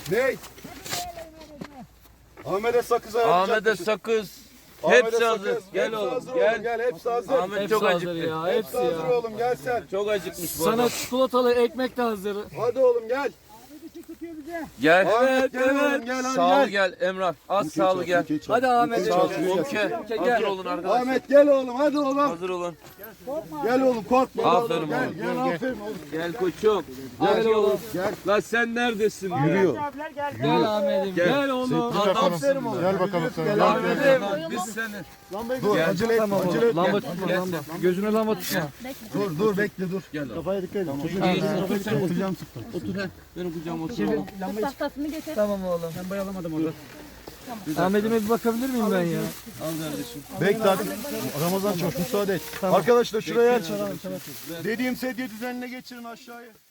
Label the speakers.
Speaker 1: Ne? Ahmet'e sakız ayarlayacakmışız.
Speaker 2: Ahmet'e sakız.
Speaker 1: Ahmet'e
Speaker 2: Hepsi hazır.
Speaker 1: sakız.
Speaker 2: Gel
Speaker 1: Hepsi
Speaker 2: oğlum.
Speaker 1: hazır
Speaker 2: Gel.
Speaker 1: Gel hepsi hazır.
Speaker 2: Ahmet çok
Speaker 3: hazır
Speaker 2: acıktı.
Speaker 3: ya.
Speaker 1: Hepsi
Speaker 3: Hepsi
Speaker 1: hazır
Speaker 3: ya.
Speaker 1: oğlum gel sen.
Speaker 2: Çok acıkmış bu
Speaker 3: Sana
Speaker 2: adam.
Speaker 3: çikolatalı ekmek de hazır.
Speaker 1: Hadi oğlum gel.
Speaker 2: Gel.
Speaker 1: Ahmet gel oğlum gel hadi
Speaker 2: Sağlı
Speaker 1: gel.
Speaker 2: gel Emrah. Az sağlı gel.
Speaker 3: Hadi Ahmet.
Speaker 2: Sağ ol.
Speaker 1: Ahmet.
Speaker 2: Umke. Hazır olun arkadaşlar.
Speaker 1: Ahmet gel oğlum hadi oğlum.
Speaker 2: Hazır olun.
Speaker 1: Gel oğlum korkma.
Speaker 2: Aferin
Speaker 1: Gel
Speaker 2: oğlum.
Speaker 1: gel aferin oğlum.
Speaker 2: Gel koçum.
Speaker 3: Gel oğlum.
Speaker 1: Gel.
Speaker 2: Lan sen neredesin?
Speaker 1: Yürüyor.
Speaker 3: Gel Ahmet'im.
Speaker 2: Gel.
Speaker 3: Gel oğlum.
Speaker 1: Aferin oğlum. Gel bakalım sen. Gel
Speaker 2: Ahmet'im biz seni.
Speaker 1: Dur acele etme acele etme.
Speaker 3: Lamba tutma lamba. Gözüne lamba tutma.
Speaker 1: Dur bekle dur.
Speaker 2: Gel oğlum.
Speaker 1: Kafaya dikkat edin. Oturacağım sıkma.
Speaker 2: Otur he. Benim kucağıma otur.
Speaker 4: Tahtasını getir.
Speaker 3: Tamam oğlum. Ben bayalamadım orada. Ahmet'ime bir bakabilir miyim ben ya?
Speaker 2: Al kardeşim.
Speaker 1: Bekle hadi. Ramazan çok müsaade et. Arkadaşlar şuraya aç. Dediğim sedye düzenine geçirin aşağıya.